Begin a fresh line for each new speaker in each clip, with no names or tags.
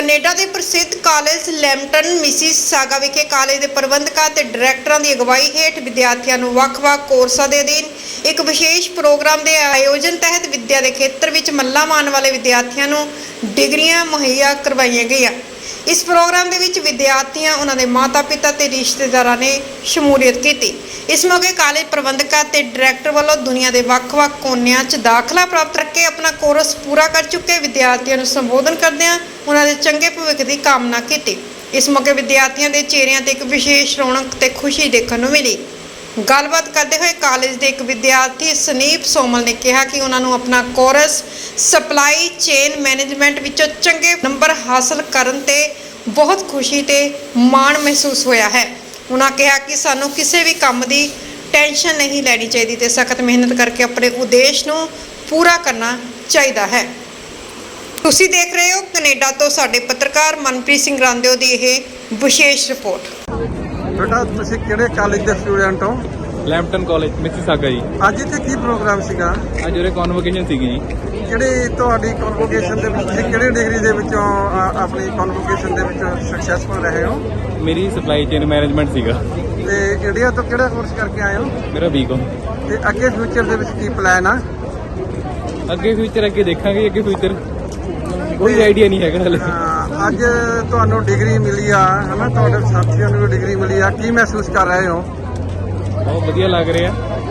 Canada ਦੇ ਪ੍ਰਸਿੱਧ college Lambton Mississauga ਵਿਖੇ ਕਾਲਜ ਦੇ ਪ੍ਰਬੰਧਕਾਂ ਤੇ ਡਾਇਰੈਕਟਰਾਂ ਦੀ ਅਗਵਾਈ ਹੇਠ ਵਿਦਿਆਰਥੀਆਂ ਨੂੰ ਵੱਖ-ਵੱਖ ਕੋਰਸਾਂ ਦੇ ਅਧੀਨ ਇੱਕ ਵਿਸ਼ੇਸ਼ ਪ੍ਰੋਗਰਾਮ ਦੇ ਆਯੋਜਨ ਤਹਿਤ ਵਿੱਦਿਆ ਦੇ ਖੇਤਰ ਵਿੱਚ ਮੱਲਾਂ ਮਾਰਨ ਵਾਲੇ ਵਿਦਿਆਰਥੀਆਂ ਨੂੰ ਡਿਗਰੀਆਂ ਮੁਹੱਈਆ ਕਰਵਾਈਆਂ ਗਈਆਂ। इस प्रोग्राम के विच विद्यार्थियों उन्होंने माता पिता ते रिश्तेदारां ने शमूलियत की। इस मौके कॉलेज प्रबंधक ते डायरैक्टर वालों दुनिया के ਵੱਖ-ਵੱਖ कोनियां च दाखला प्राप्त करके अपना कोर्स पूरा कर चुके विद्यार्थियों को संबोधन करदिआं उन्होंने चंगे भविख की कामना की। इस मौके विद्यार्थियों के चेहरिਆਂ ते एक विशेष रौनक ते खुशी देखने को मिली। गलबात करते हुए कॉलेज के एक विद्यार्थी सनीप सोमल ने कहा कि उन्होंने अपना कोर्स सप्लाई चेन मैनेजमेंट विचों चंगे नंबर हासिल करन ते बहुत खुशी ते माण महसूस होया है। उन्होंने कहा कि सानू किसी भी काम की टेंशन नहीं लेनी चाहिए ते सख्त मेहनत करके अपने उद्देश्य नू पूरा करना चाहिए है। तुसी देख रहे हो कनेडा तो साडे पत्रकार मनप्रीत सिंह रांदेओ दी यह विशेष रिपोर्ट।
बेटा तुसी किहड़े कॉलेज ਦੇ स्टूडेंट हो?
ਲੈਂਪਟਨ ਕਾਲਜ ਮਿਸੀਸਾਗਾ ਜੀ।
ਅੱਜ ਇੱਥੇ ਕੀ ਪ੍ਰੋਗਰਾਮ ਸੀਗਾ?
ਅੱਜ ਉਰੇ ਕਨਵੋਕੇਸ਼ਨ ਸੀਗੀ ਜੀ।
ਕਿਹੜੀ ਤੁਹਾਡੀ ਕਨਵੋਕੇਸ਼ਨ ਦੇ ਵਿੱਚ ਤੁਸੀਂ ਕਿਹੜੇ ਡਿਗਰੀ ਦੇ ਵਿੱਚੋਂ ਆਪਣੀ ਕਨਵੋਕੇਸ਼ਨ ਦੇ ਵਿੱਚ ਸਕਸੈਸਫੁਲ ਰਹੇ ਹੋ?
ਮੇਰੀ ਸਪਲਾਈ ਚੇਨ ਮੈਨੇਜਮੈਂਟ ਸੀਗਾ।
ਤੇ ਇੰਡੀਆ ਤੋਂ ਕਿਹੜਾ ਕੋਰਸ ਕਰਕੇ ਆਏ ਹੋ?
ਮੇਰਾ ਬੀਕਾਮ।
ਤੇ ਅੱਗੇ ਫਿਊਚਰ ਦੇ ਵਿੱਚ ਕੀ ਪਲਾਨ ਆ?
ਅੱਗੇ ਫਿਊਚਰ ਅੱਗੇ ਦੇਖਾਂਗੇ। ਅੱਗੇ ਫਿਊਚਰ ਕੋਈ ਆਈਡੀਆ ਨਹੀਂ ਹੈਗਾ ਹਲੇ।
ਅੱਜ ਤੁਹਾਨੂੰ ਡਿਗਰੀ ਮਿਲੀ ਆ ਹਨਾ, ਤੁਹਾਡੇ ਸਾਥੀਆਂ ਨੂੰ ਵੀ ਡਿਗਰੀ ਮਿਲੀ ਆ, ਕੀ ਮਹਿਸੂਸ ਕਰ ਰਹੇ ਹੋ?
ਬਹੁਤ ਵਧੀਆ ਲੱਗ ਰਿਹਾ।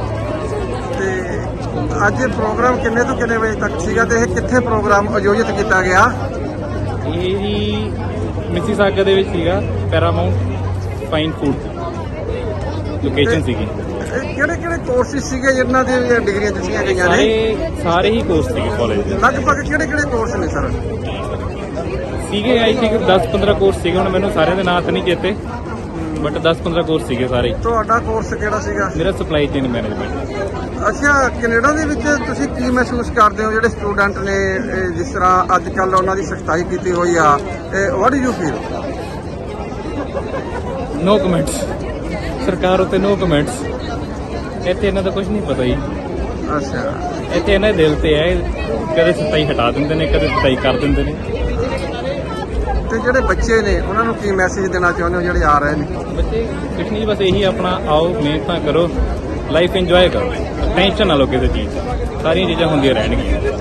ਤੇ ਅੱਜ ਪ੍ਰੋਗਰਾਮ ਕਿੰਨੇ ਤੋਂ ਕਿੰਨੇ ਵਜੇ ਤੱਕ ਸੀਗਾ ਤੇ ਇਹ ਕਿੱਥੇ ਪ੍ਰੋਗਰਾਮ ਆਯੋਜਿਤ ਕੀਤਾ ਗਿਆ?
ਇਹ ਜੀ ਮਿਸੀਸਾਗਾ ਦੇ ਵਿੱਚ ਸੀਗਾ, ਪੈਰਾਮਾਉਂਟ ਫਾਈਨ ਫੂਡ ਲੋਕੇਸ਼ਨ ਸੀਗੀ।
ਕਿਹੜੇ ਕਿਹੜੇ ਕੋਰਸਿਸ ਸੀਗੇ ਜਿਨ੍ਹਾਂ ਦੀ ਡਿਗਰੀਆਂ ਦਿੱਤੀਆਂ ਗਈਆਂ ਨੇ?
ਸਾਰੇ ਹੀ ਕੋਰਸ ਸੀਗੇ ਕਾਲਜ ਦੇ।
ਲਗਭਗ ਕਿਹੜੇ ਕਿਹੜੇ ਕੋਰਸ ਨੇ ਸਰ?
ਸੀਗੇ ਆਈ ਥਿੰਕ 10-15 ਕੋਰਸ ਸੀਗੇ, ਹੁਣ ਮੈਨੂੰ ਸਾਰਿਆਂ ਦੇ ਨਾਂ ਤਾਂ ਨਹੀਂ ਚੇਤੇ, ਬਟ 10-15 ਕੋਰਸ ਸੀਗੇ ਸਾਰੇ।
ਤੁਹਾਡਾ ਕੋਰਸ ਕਿਹੜਾ ਸੀਗਾ?
ਮੇਰਾ ਸਪਲਾਈ ਚੇਨ ਮੈਨੇਜਮੈਂਟ।
ਅੱਛਾ, ਕੈਨੇਡਾ ਦੇ ਵਿੱਚ ਤੁਸੀਂ ਕੀ ਮਹਿਸੂਸ ਕਰਦੇ ਹੋ ਜਿਹੜੇ ਸਟੂਡੈਂਟ ਨੇ ਜਿਸ ਤਰ੍ਹਾਂ ਅੱਜ ਕੱਲ੍ਹ ਉਹਨਾਂ ਦੀ ਸਖਤਾਈ ਕੀਤੀ ਹੋਈ ਆ, what do you feel?
No comments. ਸਰਕਾਰ ਉੱਤੇ ਨੋ ਕਮੈਂਟਸ। ਇੱਥੇ ਇਹਨਾਂ ਦਾ ਕੁਝ ਨਹੀਂ ਪਤਾ ਜੀ।
ਅੱਛਾ,
ਇੱਥੇ ਇਹਨਾਂ ਦੇ ਦਿਲ ਤੇ ਹੈ, ਕਦੇ ਸਤਾਈ ਹਟਾ ਦਿੰਦੇ ਨੇ, ਕਦੇ ਸਤਾਈ ਕਰ ਦਿੰਦੇ ਨੇ।
ਤੇ ਜਿਹੜੇ ਬੱਚੇ ਨੇ ਉਹਨਾਂ ਨੂੰ ਕੀ ਮੈਸੇਜ ਦੇਣਾ ਚਾਹੁੰਦੇ ਹੋ ਜਿਹੜੇ ਆ ਰਹੇ ਨੇ?
ਬੱਚੇ ਕੁਛ ਨਹੀਂ, ਬਸ ਇਹੀ ਆਪਣਾ ਆਓ, ਮਿਹਨਤਾਂ ਕਰੋ, ਲਾਈਫ ਇੰਜੋਏ ਕਰੋ, ਟੈਨਸ਼ਨ ਨਾ ਲਓ ਕਿਸੇ ਚੀਜ਼ ਦੀ, ਸਾਰੀਆਂ ਚੀਜ਼ਾਂ ਹੁੰਦੀਆਂ ਰਹਿਣਗੀਆਂ।